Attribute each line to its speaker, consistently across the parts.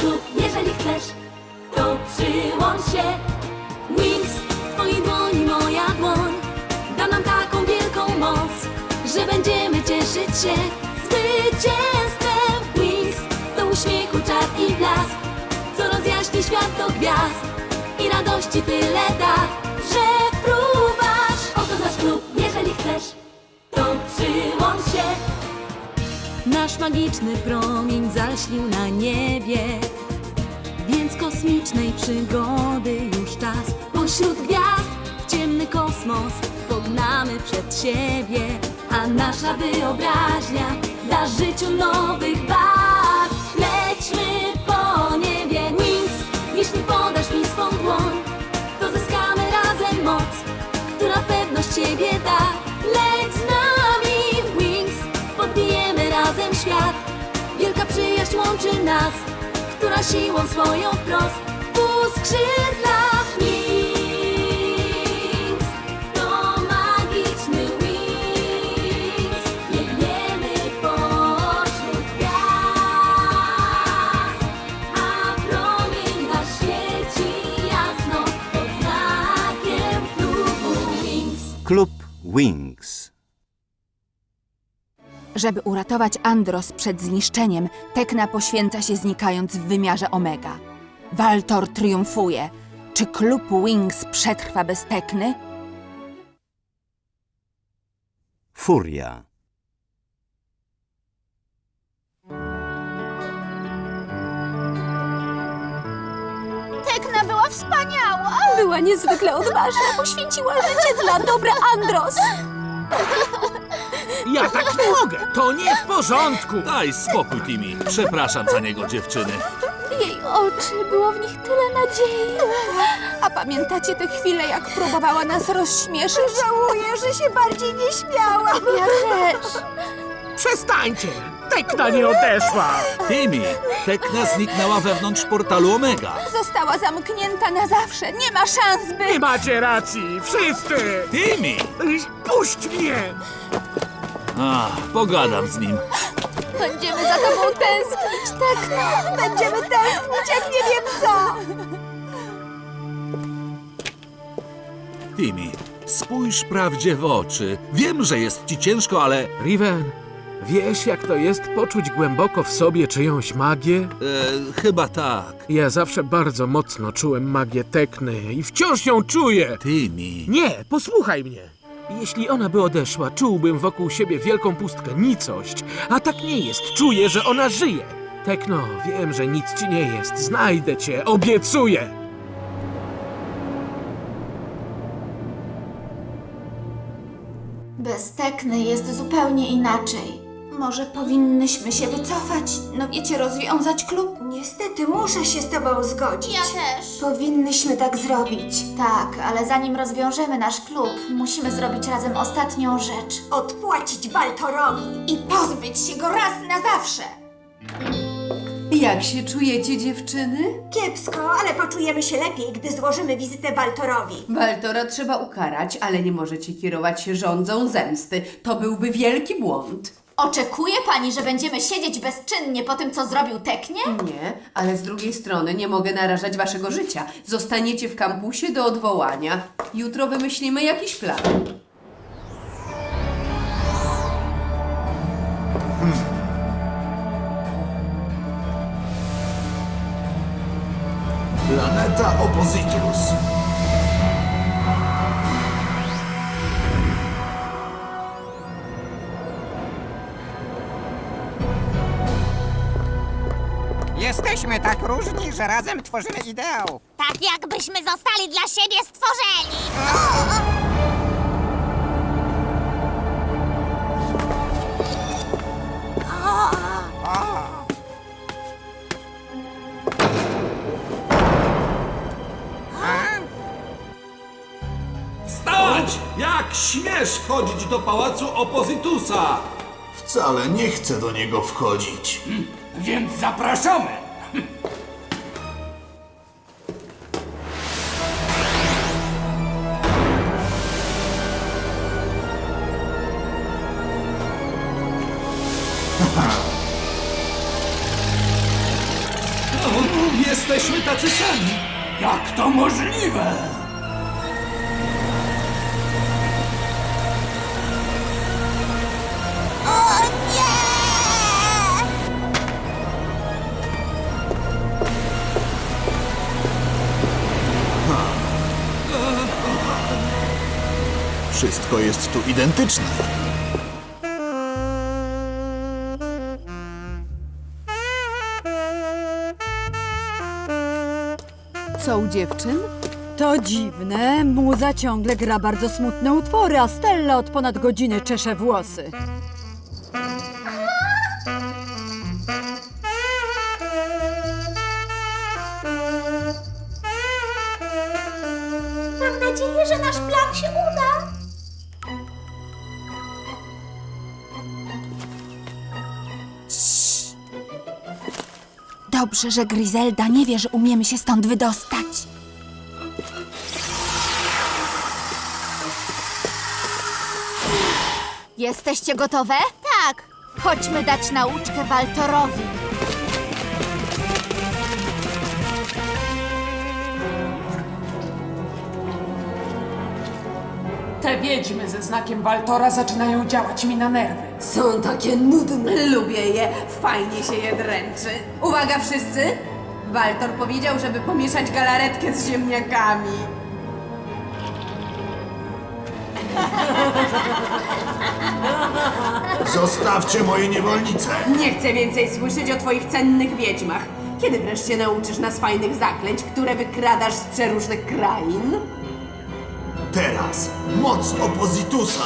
Speaker 1: klub, jeżeli chcesz, to przyłącz się. Wings, w twojej dłoni moja dłoń da nam taką wielką moc, że będziemy cieszyć się zwycięstwem. Wings, to uśmiechu czar i blask, co rozjaśni świat do gwiazd i radości tyle da, że fruwasz. Oto nasz klub, jeżeli chcesz, to przyłącz się. Nasz magiczny promień zaśnił na niebie, więc kosmicznej przygody już czas. Pośród gwiazd w ciemny kosmos pognamy przed siebie, a nasza wyobraźnia da życiu nowych barw. Lećmy po niebie. Wings, jeśli podasz mi swą dłoń, to zyskamy razem moc, która pewność siebie da. Leć z nami, Wings, podbijemy razem świat. Wielka przyjaźń łączy nas, która siłą swoją wprost uskrzydla. Wings, to magiczny Wings, biegniemy pośród gwiazd, a promień nasz świeci jasno pod znakiem klubu Wings.
Speaker 2: Klub Wings.
Speaker 3: Żeby uratować Andros przed zniszczeniem, Tekna poświęca się, znikając w wymiarze Omega. Waltor triumfuje. Czy klub Wings przetrwa bez Tekny?
Speaker 2: Furia.
Speaker 4: Tekna była wspaniała!
Speaker 3: Była niezwykle odważna, poświęciła życie dla dobra Andros.
Speaker 5: Ja tak nie mogę! To nie w porządku!
Speaker 6: Daj spokój, Timmy. Przepraszam za niego, dziewczyny.
Speaker 3: Jej oczy, było w nich tyle nadziei. A pamiętacie tę chwilę, jak próbowała nas rozśmieszyć?
Speaker 4: Żałuję, że się bardziej nie śmiałam.
Speaker 3: Ja też.
Speaker 5: Przestańcie! Tekna nie odeszła!
Speaker 6: Timmy, Tekna zniknęła wewnątrz portalu Omega.
Speaker 3: Została zamknięta na zawsze. Nie ma szans, by...
Speaker 5: Nie macie racji! Wszyscy!
Speaker 6: Timmy!
Speaker 5: Puść mnie!
Speaker 6: Pogadam z nim.
Speaker 3: Będziemy za tobą tęsknić, Tekno.
Speaker 4: Będziemy tęsknić, jak nie wiem co.
Speaker 6: Timmy, spójrz prawdzie w oczy. Wiem, że jest ci ciężko, ale...
Speaker 5: Riven, wiesz jak to jest poczuć głęboko w sobie czyjąś magię?
Speaker 6: chyba tak.
Speaker 5: Ja zawsze bardzo mocno czułem magię Tekny i wciąż ją czuję!
Speaker 6: Timmy...
Speaker 5: Nie, posłuchaj mnie! Jeśli ona by odeszła, czułbym wokół siebie wielką pustkę, nicość. A tak nie jest. Czuję, że ona żyje. Tekno, wiem, że nic ci nie jest. Znajdę cię, obiecuję!
Speaker 4: Bez Tekny jest zupełnie inaczej. Może powinnyśmy się wycofać? No wiecie, rozwiązać klub?
Speaker 7: Niestety muszę się z tobą zgodzić.
Speaker 4: Ja też.
Speaker 7: Powinnyśmy tak zrobić.
Speaker 4: Tak, ale zanim rozwiążemy nasz klub, musimy zrobić razem ostatnią rzecz.
Speaker 7: Odpłacić Waltorowi.
Speaker 4: I pozbyć się go raz na zawsze.
Speaker 8: Jak się czujecie, dziewczyny?
Speaker 7: Kiepsko, ale poczujemy się lepiej, gdy złożymy wizytę Waltorowi.
Speaker 8: Waltora trzeba ukarać, ale nie możecie kierować się żądzą zemsty. To byłby wielki błąd.
Speaker 4: Oczekuje pani, że będziemy siedzieć bezczynnie po tym, co zrobił Teknie?
Speaker 8: Nie, ale z drugiej strony nie mogę narażać waszego życia. Zostaniecie w kampusie do odwołania. Jutro wymyślimy jakiś plan.
Speaker 9: Planeta Oppositus.
Speaker 10: Jesteśmy tak różni, że razem tworzymy ideał.
Speaker 4: Tak jakbyśmy zostali dla siebie stworzeni.
Speaker 6: Stać! Jak śmiesz wchodzić do pałacu Oppositusa?
Speaker 9: Wcale nie chcę do niego wchodzić.
Speaker 10: Więc zapraszamy.
Speaker 9: Jesteśmy tacy sami! Jak to możliwe? Wszystko jest tu identyczne.
Speaker 3: Co u dziewczyn?
Speaker 11: To dziwne, muza ciągle gra bardzo smutne utwory, a Stella od ponad godziny czesze włosy.
Speaker 1: Mam nadzieję, że nasz plan się uda.
Speaker 3: Dobrze, że Gryzelda nie wie, że umiemy się stąd wydostać.
Speaker 4: Jesteście gotowe? Tak. Chodźmy dać nauczkę Waltorowi.
Speaker 12: Te wiedźmy ze znakiem Waltora zaczynają działać mi na nerwy.
Speaker 8: Są takie nudne. Lubię je. Fajnie się je dręczy. Uwaga wszyscy! Waltor powiedział, żeby pomieszać galaretkę z ziemniakami.
Speaker 9: Zostawcie moje niewolnice!
Speaker 8: Nie chcę więcej słyszeć o twoich cennych wiedźmach. Kiedy wreszcie nauczysz nas fajnych zaklęć, które wykradasz z przeróżnych krain?
Speaker 9: Teraz moc Opozitusa!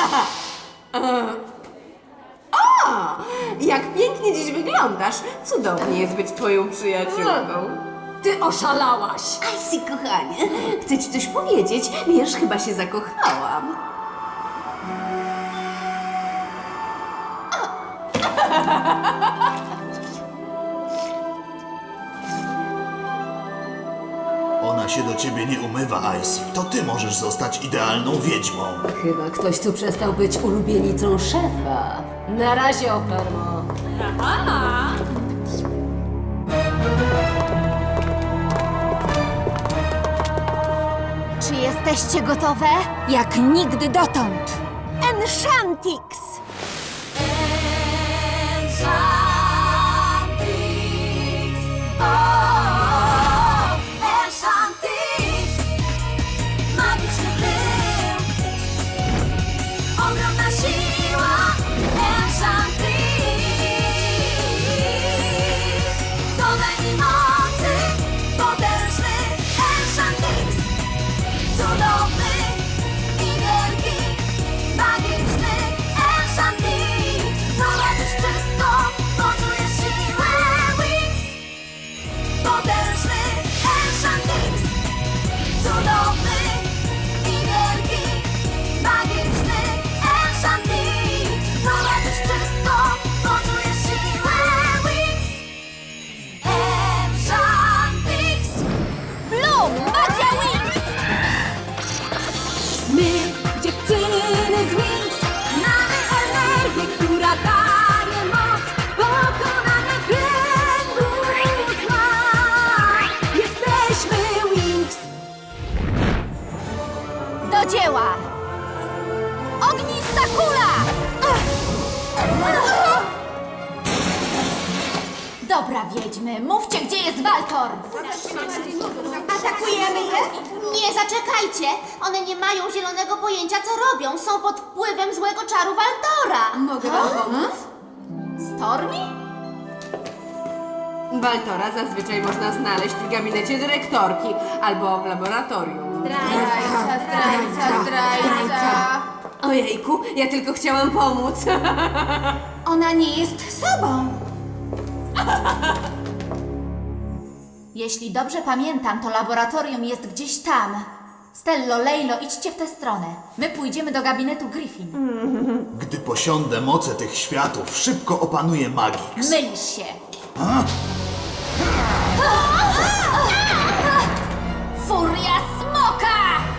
Speaker 8: Jak pięknie dziś wyglądasz. Cudownie jest być twoją przyjaciółką.
Speaker 1: Ty oszalałaś.
Speaker 8: Icy, kochanie, chcę ci coś powiedzieć. Wiesz, chyba się zakochałam.
Speaker 9: Ona się do ciebie nie umywa, Icy. To ty możesz zostać idealną wiedźmą.
Speaker 1: Chyba ktoś tu przestał być ulubienicą szefa. Na razie, Ofermo.
Speaker 4: Czy jesteście gotowe?
Speaker 3: Jak nigdy dotąd.
Speaker 4: Enchantix!
Speaker 1: Magiczny pył. Ogromna siła. Enchantrix. Dodaj mi mocy. Potężny Enchantrix. Cudowny i wielki. Magiczny Enchantrix. Zobaczysz wszystko. Poczujesz siłę Wings. Potężny Enchantrix. Cudowny i wielki, magiczny Enchantrix. Zobaczysz wszystko, poczujesz siłę Wings. Enchantrix.
Speaker 4: Bloom! Magia Wings!
Speaker 1: My, dziewczyny z Wings, mamy energię, która daje moc pokonania kręgu zła. Jesteśmy Wings.
Speaker 4: Do dzieła! Ognista kula! Dobra, wiedźmy, mówcie, gdzie jest Waltor!
Speaker 7: Atakujemy je?
Speaker 4: Nie, zaczekajcie! One nie mają zielonego pojęcia, co robią. Są pod wpływem złego czaru Waltora.
Speaker 8: Mogę wam pomóc?
Speaker 4: Stormy?
Speaker 8: Waltora zazwyczaj można znaleźć w gabinecie dyrektorki albo w laboratorium.
Speaker 4: Zdrajca.
Speaker 8: Ojejku, ja tylko chciałam pomóc.
Speaker 4: Ona nie jest sobą. Jeśli dobrze pamiętam, to laboratorium jest gdzieś tam. Stello, Lejlo, idźcie w tę stronę. My pójdziemy do gabinetu Griffin.
Speaker 9: Gdy posiądę moce tych światów, szybko opanuję Magix.
Speaker 4: Mylisz się. Furia smoka!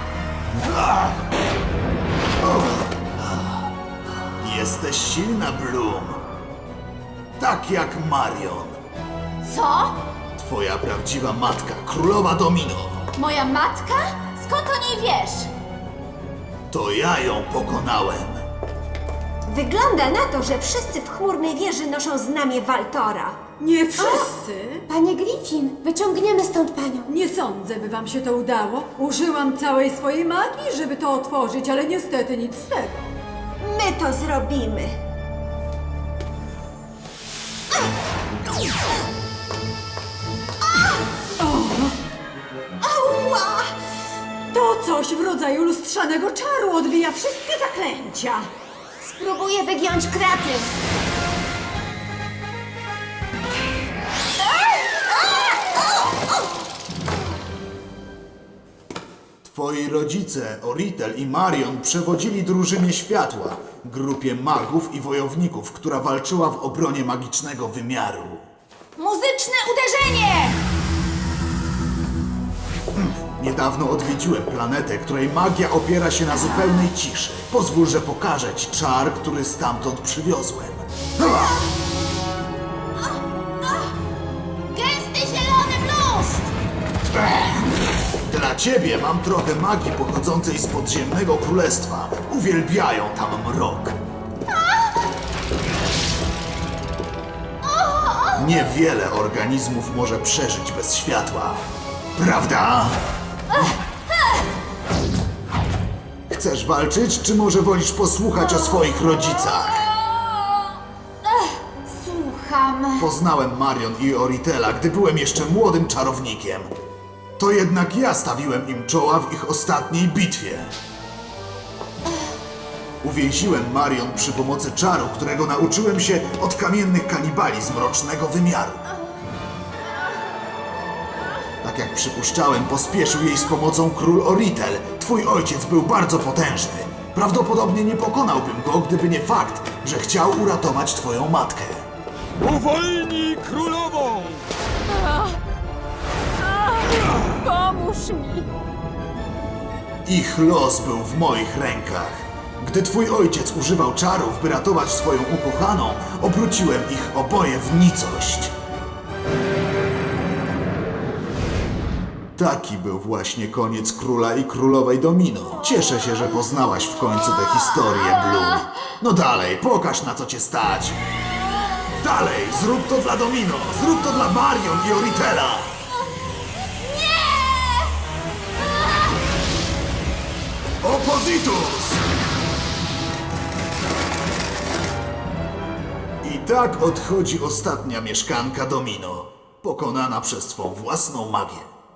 Speaker 9: Jesteś silna, Bloom. Tak jak Marion.
Speaker 4: Co?
Speaker 9: twoja prawdziwa matka, królowa Domino.
Speaker 4: Moja matka? Skąd o niej wiesz?
Speaker 9: To ja ją pokonałem.
Speaker 7: Wygląda na to, że wszyscy w chmurnej wieży noszą znamię Waltora.
Speaker 11: Nie wszyscy.
Speaker 7: Panie Griffin, wyciągniemy stąd panią.
Speaker 11: Nie sądzę, by wam się to udało. Użyłam całej swojej magii, żeby to otworzyć, ale niestety nic z tego.
Speaker 7: My to zrobimy. Ała!
Speaker 11: To coś w rodzaju lustrzanego czaru odbija wszystkie zaklęcia.
Speaker 7: Spróbuję wygiąć kraty.
Speaker 9: Twoi rodzice, Oritel i Marion, przewodzili drużynie światła, grupie magów i wojowników, która walczyła w obronie magicznego wymiaru.
Speaker 4: Muzyczne uderzenie!
Speaker 9: Niedawno odwiedziłem planetę, której magia opiera się na zupełnej ciszy. Pozwól, że pokażę ci czar, który stamtąd przywiozłem.
Speaker 4: Gęsty zielony bluszcz!
Speaker 9: Dla ciebie mam trochę magii pochodzącej z podziemnego królestwa. Uwielbiają tam mrok. Niewiele organizmów może przeżyć bez światła. Prawda? Chcesz walczyć, czy może wolisz posłuchać o swoich rodzicach?
Speaker 4: Słucham.
Speaker 9: Poznałem Marion i Oritela, gdy byłem jeszcze młodym czarownikiem. To jednak ja stawiłem im czoła w ich ostatniej bitwie. Uwięziłem Marion przy pomocy czaru, którego nauczyłem się od kamiennych kanibali z mrocznego wymiaru. Tak jak przypuszczałem, pospieszył jej z pomocą król Oritel. Twój ojciec był bardzo potężny. Prawdopodobnie nie pokonałbym go, gdyby nie fakt, że chciał uratować twoją matkę.
Speaker 6: Uwolnij królową!
Speaker 1: Pomóż mi!
Speaker 9: Ich los był w moich rękach. Gdy twój ojciec używał czarów, by ratować swoją ukochaną, obróciłem ich oboje w nicość. Taki był właśnie koniec króla i królowej Domino. Cieszę się, że poznałaś w końcu tę historię, Bloom. No dalej, pokaż na co cię stać. Dalej, zrób to dla Domino, zrób to dla Marion i Oritela. Oppositus! I tak odchodzi ostatnia mieszkanka Domino, pokonana przez swą własną magię.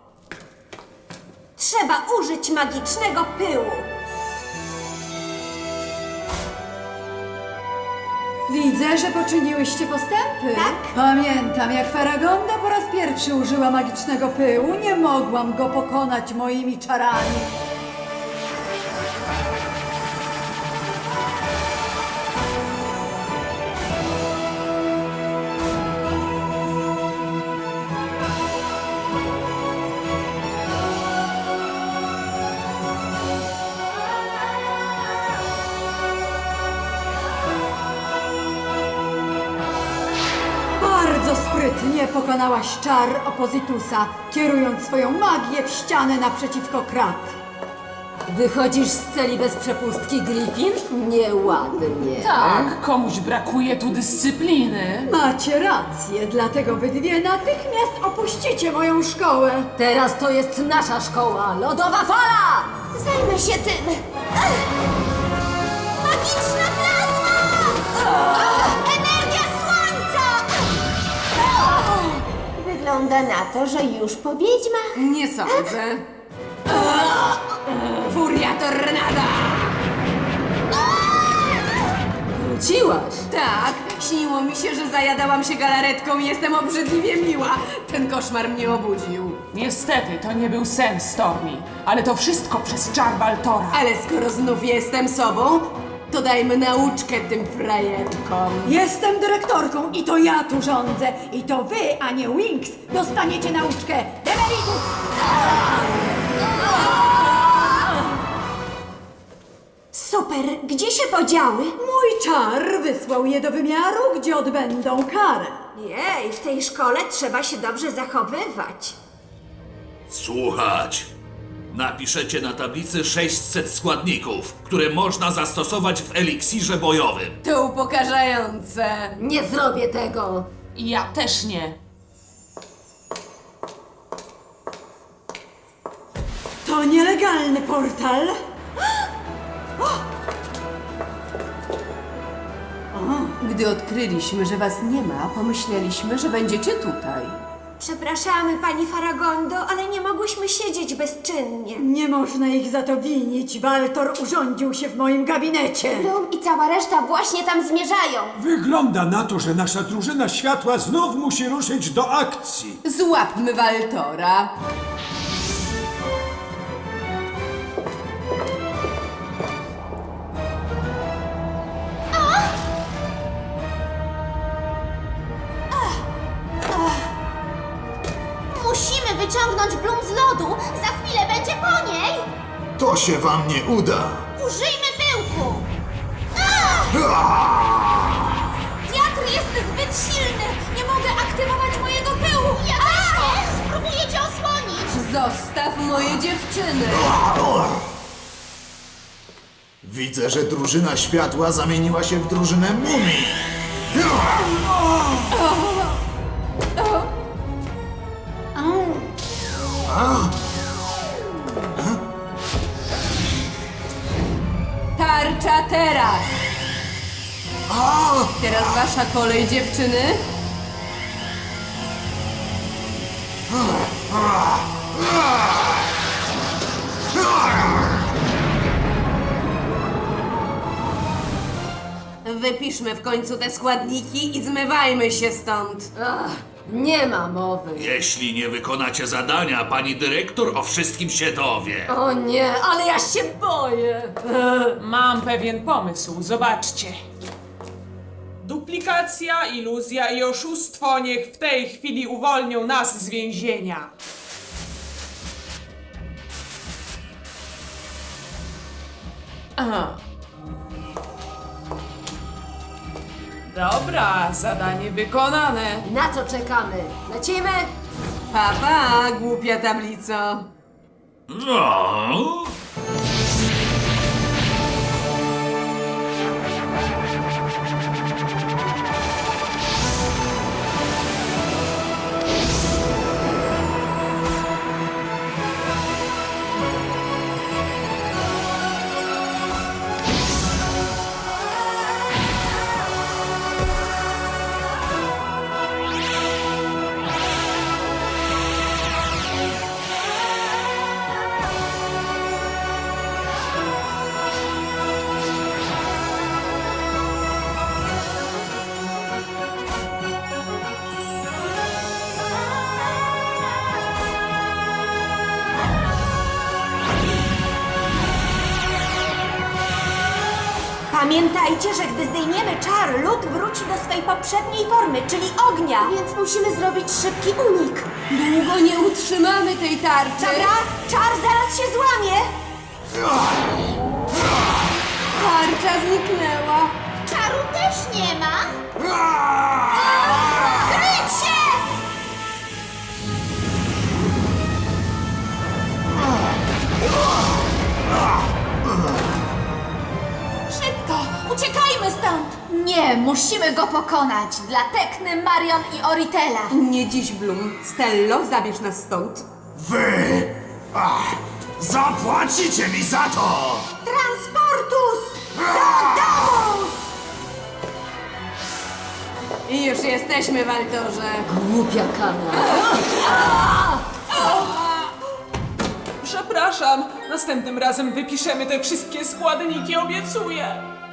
Speaker 7: Trzeba użyć magicznego pyłu.
Speaker 11: Widzę, że poczyniłyście postępy.
Speaker 7: Tak.
Speaker 11: Pamiętam, jak Faragonda po raz pierwszy użyła magicznego pyłu. Nie mogłam go pokonać moimi czarami. Bardzo sprytnie pokonałaś czar Oppositusa, kierując swoją magię w ścianę naprzeciwko krat.
Speaker 1: Wychodzisz z celi bez przepustki, Griffin? Nieładnie.
Speaker 12: Tak, komuś brakuje tu dyscypliny.
Speaker 11: Macie rację, dlatego wy dwie natychmiast opuścicie moją szkołę.
Speaker 1: Teraz to jest nasza szkoła. Lodowa fala!
Speaker 4: Zajmę się tym. Magiczna plazma! Energia słońca!
Speaker 7: Wygląda na to, że już po wiedźmach.
Speaker 8: Nie sądzę. Furia tornada!
Speaker 1: Wróciłaś.
Speaker 8: Tak, śniło mi się, że zajadałam się galaretką i jestem obrzydliwie miła. Ten koszmar mnie obudził.
Speaker 12: Niestety, to nie był sen, Stormy. Ale to wszystko przez czar Waltora.
Speaker 8: Ale skoro znów jestem sobą, to dajmy nauczkę tym frajerkom.
Speaker 11: Jestem dyrektorką i to ja tu rządzę. I to wy, a nie Winx, dostaniecie nauczkę Demeritus!
Speaker 7: Super, gdzie się podziały?
Speaker 11: Mój czar wysłał je do wymiaru, gdzie odbędą karę.
Speaker 7: Jej, w tej szkole trzeba się dobrze zachowywać.
Speaker 6: Słuchać. Napiszecie na tablicy 600 składników, które można zastosować w eliksirze bojowym.
Speaker 8: To upokarzające.
Speaker 7: Nie zrobię tego.
Speaker 12: Ja też nie.
Speaker 11: To nielegalny portal.
Speaker 8: Gdy odkryliśmy, że was nie ma, pomyśleliśmy, że będziecie tutaj.
Speaker 7: Przepraszamy, pani Faragondo, ale nie mogłyśmy siedzieć bezczynnie.
Speaker 11: Nie można ich za to winić. Waltor urządził się w moim gabinecie.
Speaker 4: Bloom i cała reszta właśnie tam zmierzają.
Speaker 13: Wygląda na to, że nasza drużyna światła znów musi ruszyć do akcji.
Speaker 8: Złapmy Waltora.
Speaker 4: Musimy wyciągnąć Bloom z lodu. Za chwilę będzie po niej.
Speaker 9: To się wam nie uda.
Speaker 4: Użyjmy pyłku. Wiatr jest zbyt silny. Nie mogę aktywować mojego pyłu. Ja też nie. Spróbuję cię osłonić.
Speaker 8: Zostaw moje dziewczyny.
Speaker 9: Widzę, że drużyna światła zamieniła się w drużynę mumii.
Speaker 8: Tarcza teraz. Teraz wasza kolej, dziewczyny. Wypiszmy w końcu te składniki i zmywajmy się stąd.
Speaker 7: Nie ma mowy.
Speaker 6: Jeśli nie wykonacie zadania, pani dyrektor o wszystkim się dowie.
Speaker 7: O nie, ale ja się boję.
Speaker 12: Mam pewien pomysł, zobaczcie. Duplikacja, iluzja i oszustwo niech w tej chwili uwolnią nas z więzienia. Aha. Dobra, zadanie wykonane.
Speaker 7: Na co czekamy? Lecimy?
Speaker 8: Pa, głupia tablico.
Speaker 6: No.
Speaker 7: Pamiętajcie, że gdy zdejmiemy czar, lód wróci do swej poprzedniej formy, czyli ognia.
Speaker 4: Więc musimy zrobić szybki unik.
Speaker 8: Długo nie utrzymamy tej tarczy.
Speaker 7: Dobra, czar zaraz się złamie.
Speaker 8: Tarcza zniknęła.
Speaker 4: Czaru też nie ma. Kryć się! Szybko! Uciekajmy stąd! Nie, musimy go pokonać. Dla Tekny, Marion i Oritela.
Speaker 8: Nie dziś, Bloom. Stello, zabierz nas stąd.
Speaker 9: Wy! Zapłacicie mi za to!
Speaker 7: Transportus! Domus!
Speaker 8: I już jesteśmy, Waltorze.
Speaker 7: Głupia kana.
Speaker 12: Przepraszam, następnym razem wypiszemy te wszystkie składniki, obiecuję.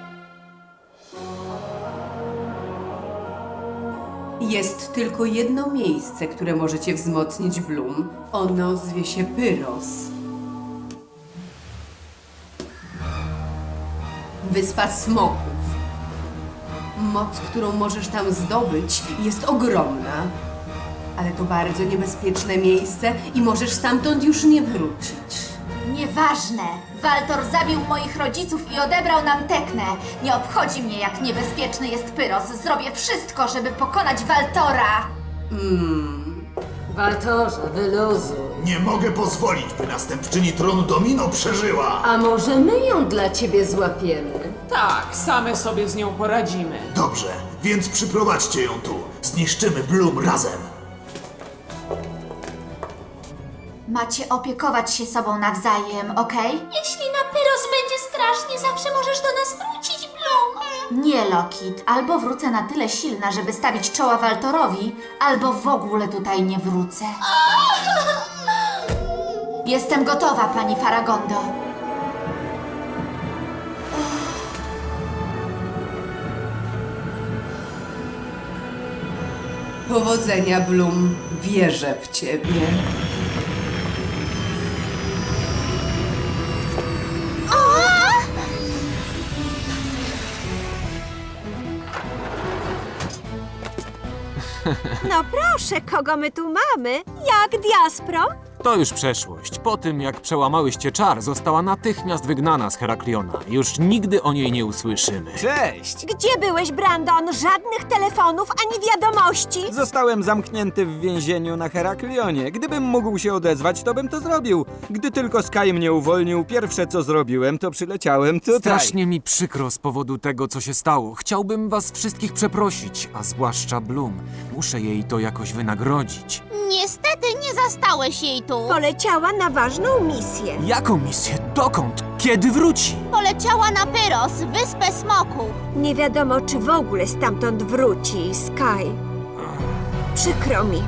Speaker 8: Jest tylko jedno miejsce, które możecie wzmocnić, Bloom. Ono zwie się Pyros. Wyspa Smoków. Moc, którą możesz tam zdobyć, jest ogromna. Ale to bardzo niebezpieczne miejsce i możesz stamtąd już nie wrócić.
Speaker 4: Nieważne. Waltor zabił moich rodziców i odebrał nam Teknę. Nie obchodzi mnie, jak niebezpieczny jest Pyros. Zrobię wszystko, żeby pokonać Waltora.
Speaker 14: Waltorze, wyluzuj.
Speaker 9: Nie mogę pozwolić, by następczyni tronu Domino przeżyła!
Speaker 14: A może my ją dla ciebie złapiemy?
Speaker 12: Tak, same sobie z nią poradzimy.
Speaker 9: Dobrze, więc przyprowadźcie ją tu. Zniszczymy Bloom razem.
Speaker 4: Macie opiekować się sobą nawzajem, okej?
Speaker 1: Jeśli na Pyros będzie strasznie, zawsze możesz do nas wrócić, Bloom.
Speaker 4: Nie, Lokit. Albo wrócę na tyle silna, żeby stawić czoła Waltorowi, albo w ogóle tutaj nie wrócę. Jestem gotowa, pani Faragondo.
Speaker 8: Powodzenia, Bloom. Wierzę w ciebie.
Speaker 7: No proszę, kogo my tu mamy? Jak Diaspro?
Speaker 15: To już przeszłość. Po tym, jak przełamałyście czar, została natychmiast wygnana z Herakliona. Już nigdy o niej nie usłyszymy.
Speaker 16: Cześć!
Speaker 7: Gdzie byłeś, Brandon? Żadnych telefonów ani wiadomości.
Speaker 16: Zostałem zamknięty w więzieniu na Heraklionie. Gdybym mógł się odezwać, to bym to zrobił. Gdy tylko Sky mnie uwolnił, pierwsze co zrobiłem, to przyleciałem tutaj.
Speaker 15: Strasznie mi przykro z powodu tego, co się stało. Chciałbym was wszystkich przeprosić, a zwłaszcza Bloom. Muszę jej to jakoś wynagrodzić.
Speaker 1: Niestety nie zastałeś jej tu.
Speaker 7: Poleciała na ważną misję.
Speaker 15: Jaką misję? Dokąd? Kiedy wróci?
Speaker 1: Poleciała na Pyros, wyspę smoków.
Speaker 7: Nie wiadomo, czy w ogóle stamtąd wróci, Sky. Przykro mi.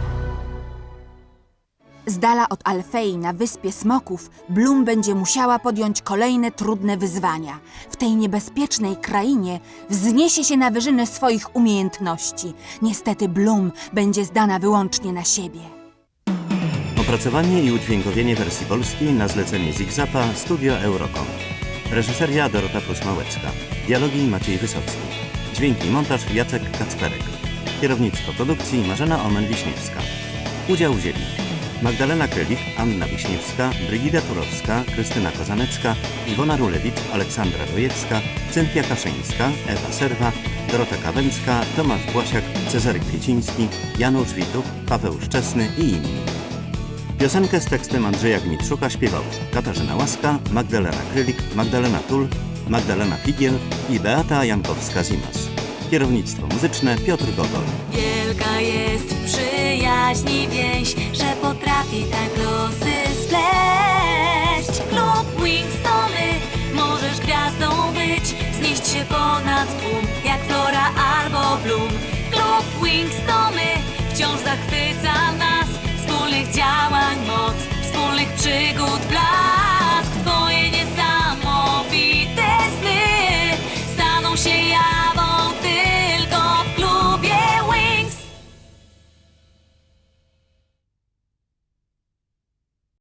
Speaker 3: Z dala od Alfei na Wyspie Smoków Bloom będzie musiała podjąć kolejne trudne wyzwania. W tej niebezpiecznej krainie wzniesie się na wyżyny swoich umiejętności. Niestety Bloom będzie zdana wyłącznie na siebie.
Speaker 2: Opracowanie i udźwiękowienie wersji polskiej na zlecenie Zigzapa Studio Eurocom. Reżyseria Dorota Prus-Małecka. Dialogi Maciej Wysocki. Dźwięki i montaż Jacek Kacperek. Kierownictwo produkcji Marzena Omen-Wiśniewska. Udział wzięli Magdalena Krylich, Anna Wiśniewska, Brygida Turowska, Krystyna Kozanecka, Iwona Rulewicz, Aleksandra Dojecka, Cynthia Kaszyńska, Ewa Serwa, Dorota Kawęcka, Tomasz Błasiak, Cezary Kwieciński, Janusz Wituch, Paweł Szczesny i inni. Piosenkę z tekstem Andrzeja Gmitrzuka śpiewały Katarzyna Łaska, Magdalena Krylik, Magdalena Tul, Magdalena Figiel i Beata Jankowska-Zimas. Kierownictwo muzyczne Piotr Gogol.
Speaker 1: Wielka jest przyjaźni więź, że potrafi tak losy spleść. Klub Wings to my, możesz gwiazdą być, znieść się ponad tłum, jak Flora albo Bloom. Klub Wings to my, wciąż zachwyca nas, wspólnych działań moc, wspólnych przygód blask.